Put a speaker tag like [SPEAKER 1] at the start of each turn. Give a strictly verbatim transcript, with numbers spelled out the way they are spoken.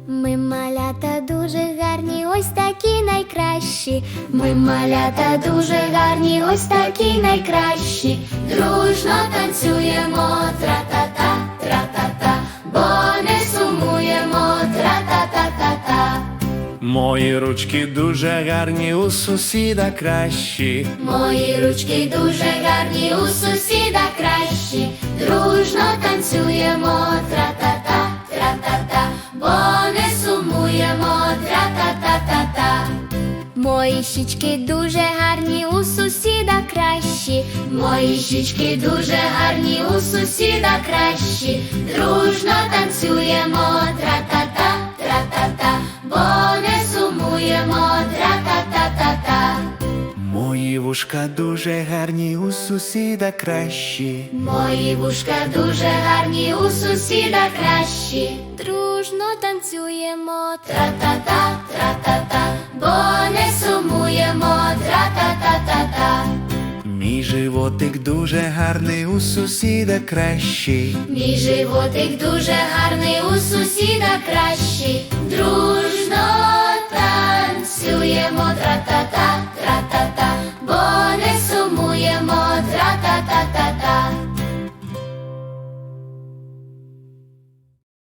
[SPEAKER 1] Ми малята дуже гарні, ось такі найкращі. Ми малята дуже гарні, ось такі найкращі. Дружно танцюємо, тра-та-та, тра-та-та, бо не сумуємо, тра-та-та-та-та.
[SPEAKER 2] Мої ручки дуже гарні, у сусіда кращі.
[SPEAKER 1] Мої ручки дуже гарні, у сусіда кращі. Дружно танцюємо, тра-та-та, тра-та-та, бо не сумуємо, тра-та-та-та-та. Мої щічки дуже гарні, у сусіда кращі. Мої щічки дуже гарні, у сусіда кращі. Дружно танцюємо, тра-та-та, тра-та-та, бо не сумуємо, тра-та-та-та-та.
[SPEAKER 2] Мої вушка дуже гарні, у сусіда кращі.
[SPEAKER 1] Мої вушка дуже гарні, у сусіда кращі. Дружно танцюємо, тра-та-та, тра-та-та, бо не сумуємо, тра-та-та-та-та.
[SPEAKER 2] Мій животик дуже гарний, у сусіда кращий.
[SPEAKER 1] Мій животик дуже гарний, у сусіда кращий. Дружно танцюємо, тра-та-та, тра-та-та.